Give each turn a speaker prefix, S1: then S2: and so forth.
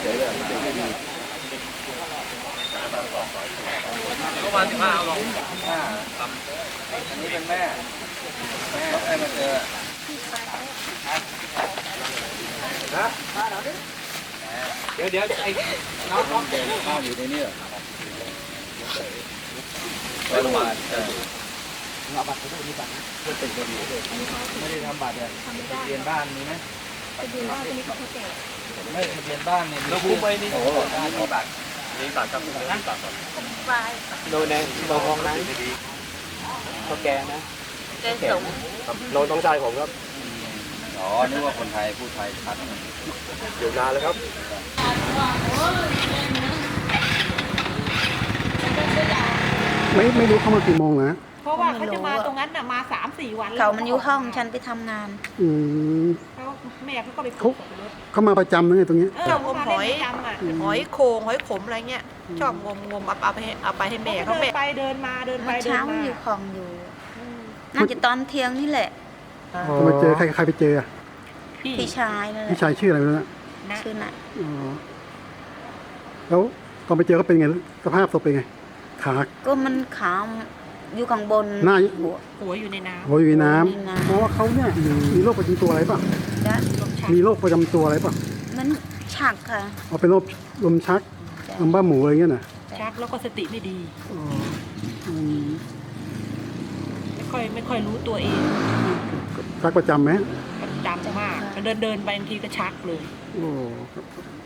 S1: ฉยๆเลยไม่ดี
S2: ประมาณ15เอาลง
S1: อันนี้เป็นแม่ให้มาเจอนะ
S2: เดี๋ยวไอ้น้อง
S1: เด็กข้าวอยู่ในนี้เหรอ
S2: ไปโรงพยาบาล
S1: เอาบัตรไปด้วยมีบัตรไม่เป็นคนอยู่ไม่ได้ทำบัตรเลยเรียนบ้านมีไหม
S3: ทะเบียนบ้านจะมีของพิเศษ
S1: ไม่ทะเบียนบ้านเนี่ย
S2: เราคุ้มไปนี่
S1: โอ้มีบัตร
S2: นี่บาทครับนี่บาทครับ
S3: ปลาย
S4: โดยในโดยของนั้นเขาแกนะ
S3: แกงสม
S4: น้องต้องชายผมครับ
S1: อ๋อนึกว่าคนไทยพูดไทยชัด
S4: อยู่นานแล้วครับ
S5: ไม่รู้เข้ามากี่โมงนะ
S6: เพราะว่าเขาจะมาตรงนั้นน่ะมา3-4 วันแล้ว
S3: เขามันอยู่ห้องฉันไปทำงาน
S5: อืม
S6: เขาแม่เขาก็ไป
S5: เขามาประจำนะเนี่ยตรงนี้
S6: เรางมหอย
S3: หอยโครงหอยขมอะไรเงี้ยชอบงมเอาไปให้แม่เขา
S6: เดิ
S3: แม่
S6: นไปเดินมาเดินไป
S3: เมื่อ
S6: เดิน
S3: เช้า
S6: มา
S3: อยู่ของอยู่น่าจะตอนเที่ยงนี่แหละ
S5: จะมาเจอใครไปเจออะ
S3: พี่ชายนั่นแห
S5: พี่
S3: ละ
S5: ชายชื่ออะไรไม่รู้นะ
S3: ชื่อน่ะ
S5: อ๋อแล้วตอนไปเจอก็เป็นไงสภาพศพเป็นไงขา
S3: ก็มันขาวอยู่ข้างบน
S5: หน้า
S3: หัว
S6: หัวอยู่ในน้
S5: หัวอยู่ในน้
S3: หัวอยู่ในน้ำ
S5: ำเพราะว่าเขาเนี่ยมีโรคประจำตัวอะไรป่ะ
S3: จ้ะ
S5: มีโรคประจำตัวอะไรป่ะ
S3: มันฉักค่ะ
S5: เอาเป็นโรคลมชักลมบ้าหมูอะไรเงี้ยนะ
S6: ำชักแล้วก็สติไม่ดี
S5: อ๋ออืม
S6: ไม่ค่อยรู้ตัวเอง
S5: ชักประจำไหม
S6: จำมากเดินไปบางทีก็ชักเลย
S5: โอ้ครับ